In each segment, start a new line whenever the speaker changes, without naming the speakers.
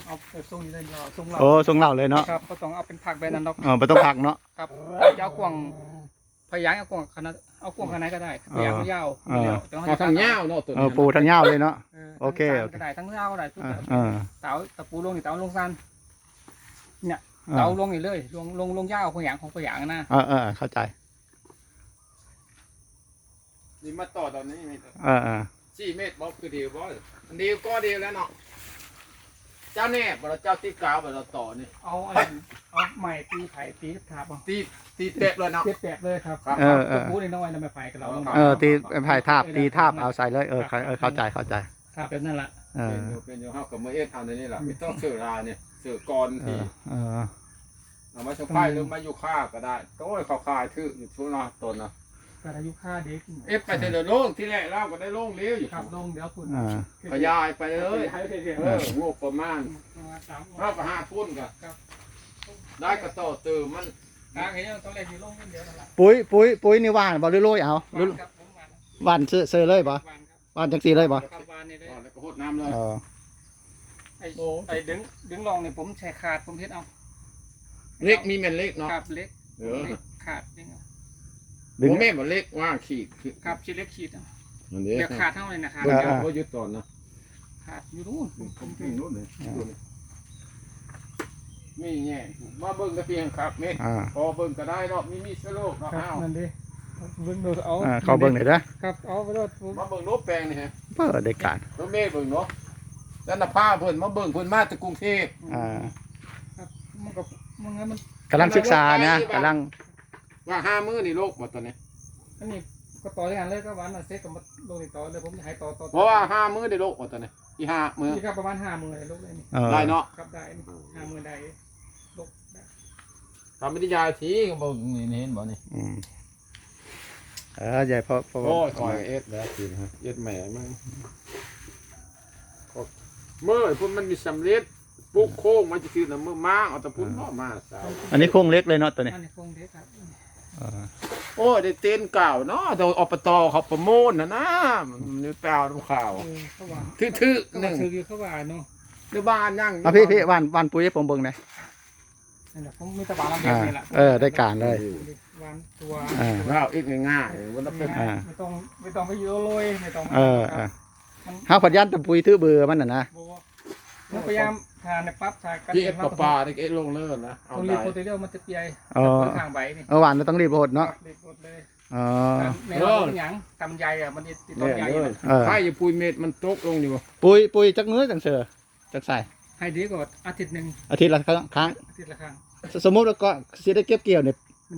เอาทรงนี้เลยเราทรงเรา
โอ้ทรงเหล่าเลยเนาะ
ครับก็ต้องเอาเป็นผักแบบนั้นเนาะ
ไม่ต้องผักเนาะ
ครับจะเอากวางพยายามเอากวางขนาดเอากวางขนาดก็ได้พยายามยาว
เอาทางเงาเนาะตัวนี้
ปูทางเหย้าเลยเนาะ โอเค
ก็ได้ทั้งยาวก็ได้ทุกแบบ
เออ
เต๋าตะปูลงนี่เต๋าลงซันเนี่ยเต๋าลงนี่เลยลงยาวพยายามของพยายามนะ
เข้าใจ
นี่มาต่อตอนนี้ 4 เมตรบอกคือเดียวบ่เดียวก็เดียวแล้วเนาะเจ้าแน่บ่เราเจ้าตีกาวบ่เราต่อนี่
เอาใหม่ตีไผ่ตีทับ
ตีเตะเลยเนาะ
เจ็บเลยครับตะปูนี่น้อยนะไม่ไผ่กับเรา
ตีไผ่ทาบตีทาบเอาใส่เลยเข้าใจ
ครับแบบนั้นแหละ
เป็นอยู่เฮากับมือเอ็ดทำในนี่แหละไม่ต้องเสือราเนี่ยเสือกรทีเอามาชงไพ่หรือมาอยู่ค่าก็ได้โต้ยเขาคายทื่ออยู่ช่วงตนนะ
แต่อายุค่าเด็ก
เอฟไปเสร็จโล่งที่แรกเราก็ได้โล่งเลี้ยวอยู่
ครับลงเดี๋ยวคุณ
ขยายไปเลยงบประมาณเราก็5 พุ่นกันได้กระโตเติมมัน
ทางนี้ต้องเล่นอยู่ลงเดียวนั่นแหละ
ปุ๋ยนี่ว่านบ่หรือโรยเอาว่านเสือเลยบ่ว่านจังสีเลยบ่
ครับวานนี่เลย
แล้วก็หดน้ำเลย
ไอ้ดึงลองเนี่ยผมแช่ขาดผมเฮ็ดเอา
เล็กมีแม่นเล็กเนาะ
ครับเล็กขาดดึง
ผมแม่บ่เล็กว่างขีด
ครับชิ้นเล็กขีด
นั่นเอง
เดี๋ยวขาดเท่าเลยนะครับ
ก็ยึดก่อนนะ
ขาดอยู่นู่น
ผมถึงนู้นเลยมีแง่มาเบิ่งกระเพียงครับเม็ดพอเบิ่งก็ได้เนาะมีสโลกเนาะ
ครับนั่นดิเบิ่งดูเอา
เขาเบิ่งหน่อยนะครับ
เอาไปรถ
มาเบิ่งนกแปลงนี่ฮะ
เปิดได้การ
รถเมย์เบิ่งเนาะแล้วน่ะพาเพิ่นมาเบิ่งเพิ่นมาจากกรุงเทพ
ครับมันก็มัน
กำลังศึกษานะกำลัง
ว่า5 มื้อนี่โลกบ่ตอนนี้
อันนี้ก็ต่อด้วยกันเลยก็วันน่ะเซ็ตกับลงต่อเลยผมจะให้ต่อ
เพราะว่า5 มื้อได้โลกบ่ตอนนี้อี5 มื้อ
นี่ครับประมาณ50,000เลยลงเลยนี่
ได้เนาะ
ครับได้50,000ได้ลงได้
ทำวิทยาทีก็บ่นี่เห็นบ่นี่
ใหญ่พอ
โอ้ยคอยเอ็ดแล้วทีนะเอ็ดแหม่มึงเมื่อพุ่นมันมีสำเร็จปุ๊กโค้งมันจะคือน่ะมื้อมาเอาตะพุ่นเนาะมาสาว
อันนี้โครงเล็กเลยเนาะตัวนี้
อันนี้คงเด็กครับ
โอ้ยได้เต้นเก่าเนาะโดยอบตเขาประมูลนะมันนี่แปลวดูข่าว
เขาว่า
ทื่อๆหนึ่ง
ถืออยู่เขาว่าเนาะ
หรือบ้านยัง
พี่วันปุ๋ยให้ผมเบิ่งหน่อย
นั่นแหละผมมีตะบานเราแบบนี้แหละ
ได้การเลย
วันตัว
เราอีกง่ายๆวันละเป็น
ไม่ต้องไปเยอะเลยไม่ต้อง
ห้าพันยันแต่ปุ๋ยทื่อเบื่อมันน่ะนะ
มันพยายามทานในปั๊บทานกัน
ที่เอ็ดปลาที่เอ็ดลงเลิศนะเอา
ต้องรี
ได้
บโปรตีเรียลมันจะเปียทางใบนี่
หวานเราต้องรีบโหดเนาะ
รีบหมดเลย
Ờ.
ในเราหยังตำใหญ่อะมันติดต้นใหญ่
ใช่อยู่ปุยเม็ดมันตกลงอยู่
ปุยจักมื้อจังเสือจักใส่
ให้ดีกว่าอาทิตย์หนึ่ง
อาทิตย์ละครั้ง
อาทิตย์ละครั้ง
สมมุติว่าก็สิได้เก็บเกี่ยวเนี่ย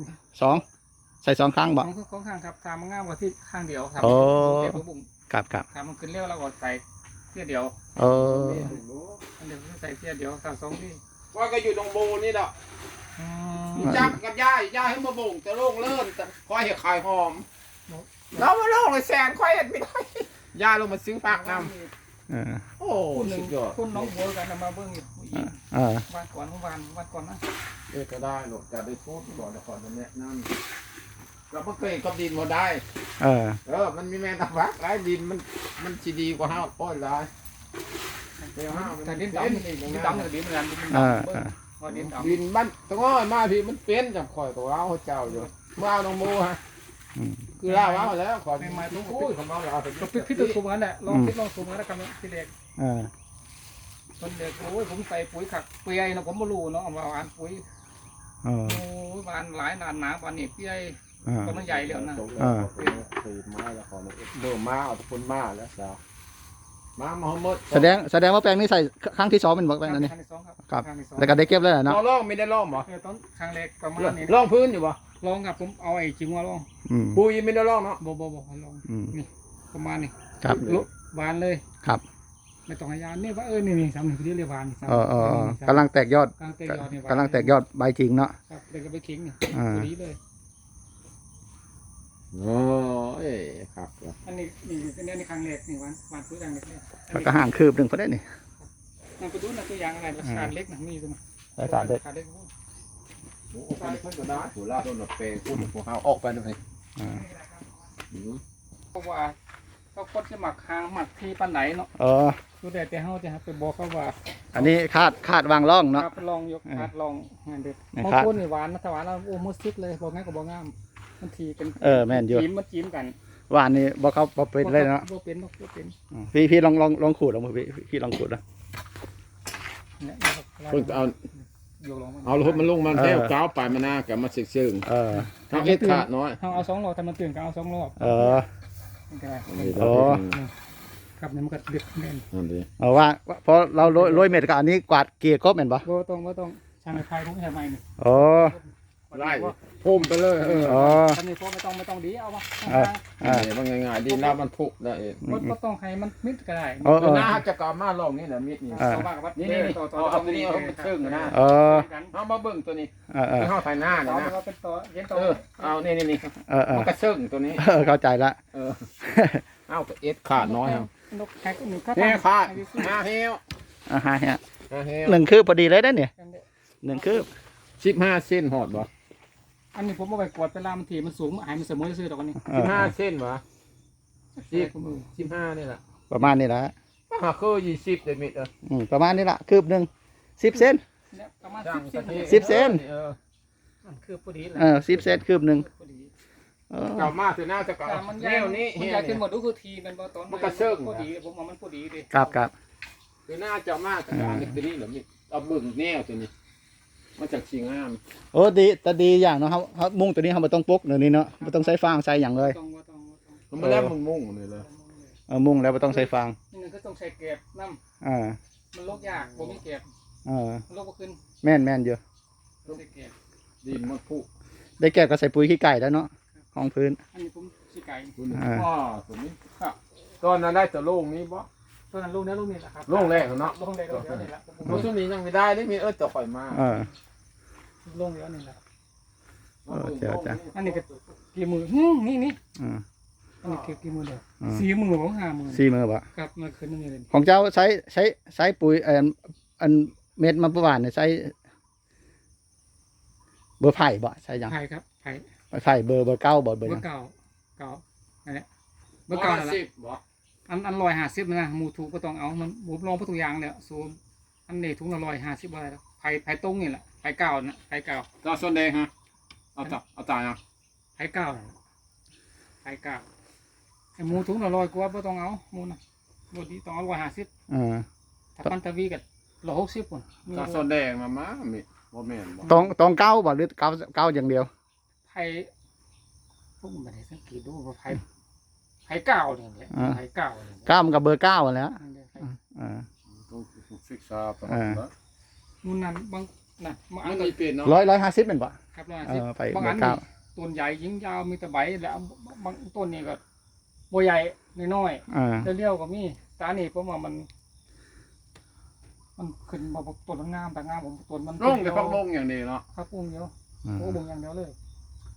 2 ใส่2 ครั้งบ่
ของข้างครับทำมันง่ายกว่าที่ข้างเดียวทำ
โอ้
เก็บบุ้ง
ครับ
ทำมันขึ้นเร็วแล้วก็ใส่เที่ยเดียว
เออ
เดี๋ยวใส่เที่ยเดียวทำ2ที่
ว่าก็อยู่ตรงโบนี่แหละจับกับย่าให้มาบ่งจะโล่งเลิ่นแต่คอยเห็ดขายหอมเรามาโล่งเลยแสนคอยเห็ดไม่ได้ย่าลงมาซื้อผักนำโอ้สุดยอด
คุณน้องบัวกันมาเบิ้งอีกวันก่อนนะ
ก็ได้หรอกจะได้พูดก่อนแล้วก่อนจะแนะนำเราเพิ่งเคยกับดินมาได้มันมีแมงตะฟักหลายดินมันจีดีกว่าห้าวป้อยหลาย
แต่ดินดำกับดินเหมือนกันดินดำ
ดินบ้านตะง้อยมาพี่มันเป็นจับข่อยตัวเราเจ้าอยู่เมื่อเอาน้องโมฮะคือล่าเอาแล้วขอไม่ทุกคู่ของเราเอาไป
ก็พิจารณาสูงนั้นแหละลองสูงนั้นแล้วกันพี่เด็กคนเด็กโอ้ยผมใส่ปุ๋ยขักเปียนะผมไม่รู้เนาะเอามาหวานปุ๋ยโอ้ยหวานหลายนานหนาวันนี้เปียก็มันใหญ่แล้วนะ
ตีไม้แล้วขอเบิ่มมาเอาตะพุนมาแล้วสาวมาหมด
แสดงว่าแปลงนี้ใส่ครั้งที่2เป็นบ่แปลงอันนี้
ครับ
แล้วก็ได้เก็บแล้วเนาะ
ล่องไม่ได้ล่องบ่
ต้นครั้งแรกประมาณนี้
ล่องพื้นอยู่บ่
ลองครับผมเอาไอ้จิ๋วมาลอง
ปุยไม่ได้ล่องเนาะ
บ่ลองนี่ประมาณนี้
ครับ
หวานเลย
ครับ
ไม่ต้องให้ยานี่ว่านี่ทำหนึ่งที่เรียกหวาน
กำลังแตกยอด
กำลังแตกยอด
ใบจริงเนาะ
ครับเด็กก็ไปขิงนี่ดีเลย
โอ้ยครับ
อันนี้นี่ครั้งแรกนี่หวานปุ๋ยครั้งแรก
แล้วก็ห่างคืบหนึ่งพอได้นี่
มันไปดูนะตัวอย่างอะไรราคาเล็กนะมีตัว
ราคาเล็ก
โอ้ไปเพิ่นก็ได้หัวลาต้นหนเปย์พูดพวกเขาออกไปเลย
เพราะว่าเขาคนจะหมักหางหมักที่ปันไหนเนาะดูแต่เขาจะไปบอกเขาว่า
อันนี้คาดวางร่อง
ค
เนาะ
รับลองยกคาดลองงานเด็ด
เนี่ย
บาง
คาด
คนนี่หวานนะถ้าหวานแล้วโอ้มุดซิดเลยบอกงั้นก็บอกงามมันทีเป็น
แม่นอยู่
จิ้มกัน
หวานนี่บ่เขาบ่เป็นเลยเนาะ
บ่เป็นบ่เป็น
พี่ลองขูดเอามือพี่ลองขูดนะ
เนี่ย
เพิ่งเอา
ยกลง
เอารถมันลงมันแท้ก้าวไปมาหน้ากับมาซึ่ง ทำเอ็ดขาดน้อย
เอา2 รอบทำมันตื่นก็เอา2 รอบ มันก็ได้ ครับเนี่ยมันก็ดึกแน่น
นั่นดิ
เอาว่าเพราะเราโรยเม็ดกับอันนี้กวาดเกลี่ยครบแม่นบ่
บ่ต้องช่างไฟผมใช่ไหมนี่
อ๋อ
ไล่พุ่มไปเลย
ทำนี่พวกไม่ต้องดีเอามา
นี่มันง่ายๆดีน้ำมันพุได้เอง
ก็ต้องให้มันมิดก็ได้
น้าจะกลับมาลองนี่นะมิดนี่ นี่เอาตัวนี้เอาไปซึ่งนะเอามาเบิ่งตัวนี้เข้าไฟหน้าเนี่ยนะ
เป็นต่อเย็นต่อ
เอานี่มันกระซึ่งตัวนี้
เข้าใจละ
เอาเอ็ดขาดน้อยครับ
นกแฮกหนึ่งก็
เฮ้ขาดมาเฮล
ฮะเนี่ย
มาเฮล
1 คืบพอดีเลยได้เนี่ย1 คืบ
15 เส้นหอดบ่
อันนี้ผมเอาไปกวดเวลามันถีมันสูงหายมันเสมอซื้อดอกนี้
15 เส้นบ่15นี่แหละ
ประมาณนี้ละ
หาคือ20เดมิด
ประมาณนี้ละคืบหนึ่ง10 เซน
ประมาณ
10 เซน
คือพอดี
10 เซนคืบหนึ่ง
เก่ามากคือน่าจะเก่า
มัน
แนวนี้
มัน
เฮีย
อยากขึ้
เนี่
น
ย
หมดดูคือทีมันพอดีผมว่ามันพอดีดิ
ครับ
คือน่าจะมากแต่อันนี้ตัวนี้เหรอมิเอาเบิ่งแนวตัวนี้มาจากชิงงาม
โอ้ดีแต่ดีอย่างเนาะเขามุ่งตัวนี้เขาไม่ต้องปกเดี๋ยวนี้เนาะไม่ต้องใช้ฟางใส่อย่างเลย
มันไม่ได้มุ่งเลยเลย
มุ่งแล้วไม่ต้องใช้ฟาง
นี่ก็ต้องใช้เก็บน้ำ
อ่า
มันลกยากผมไม่เก็บ มันลกขึ้น
แม่นอยู่
ใช้เก็บ
ดินมันผุ
ได้แก่ก็ใส่ปุ๋ยขี้ไก่แล้วเนาะห้องพื้น
อันนี้ผมสีไก่
ตัวนี้ตัวนี้ตอนนั้นได้แต่โล่งนี้บ่
ตอนนั้นลูกนี่แหละครับ
โล่งแรกเนาะ
ลงแรกนี่แหละ
เพราะช่วงนี้ยังไม่ได้ได้มีจะข่อยมา
ลงเยอะนี่แหละ
อัน
นี้ก็กี่มือนี่อันนี้กี่มือเดียว4 มือของ5 มือ
4 มือบ่
ครับมาขึ้นนี่เลย
ของเจ้าใช้ปุ๋ยอันเม็ดมะพร้าวเนี่ยใช้เบอร์ไผ่บ่ใช่ยัง
ไผ่ครับไผ่
ไผ่เบอร์9บ่เบอร์
เบอ
ยัง
ร์เก่าอันนี้เบ
เบ
อ
อ
ร์
ร์
เก่า
เก้า
นั่นแห
สิ
ละ
บบ่
อัน150นะหมูถูกก็ต้องเอามันผมลองทุกอย่างเนี่ยสูตรอันนี้ถุงละ150บาทแล้วไผ่ตรงนี่แหละไผ่เก่านะไผ่เก่า
ตาส่วนแดงฮะเอาตายอ่ะ
ไผ่เก่าไผ่เก่าไอ้หมูถุงละ100กว่าไม่ต้องเอาหมูนะบดีต้องเอา150ถ้าปันตะวีกับ160คน
ตาส่วนแดงมามีบ่แม่นบ่
ต้องเก้าบ่หรือเก้าอย่างเดียว
ไผ่พวกมันไม่ได้สังเกตดูว่าไผ่เก่าเนี่ยแหละไผ่เก่าเนี่ย
เก้ามันกับเบอร์9แล้ว
ต้องศึกษาไป
มูนั่นบางน่ะบางอั
มัน น
ก็
มีเปลี่ยนเนาะ
150เป็นบ่
ครับ
ไป
150บาง
เบ
อั
อน ร์เก้า
ต้นใหญ่ยิงยาวมีแต่ใบแล้วบางต้นนี่ก็บัวใหญ่น้อยๆเลี้ยวก็มีตานี่เพราะว่ามันขึ้นมาต้นมันงามแต่งามผมต้นมัน
ลงแต่พักลงอย่างนี้เนาะ
ครับปุ้งเดียวโอ้บุงอย่างเดียวเลย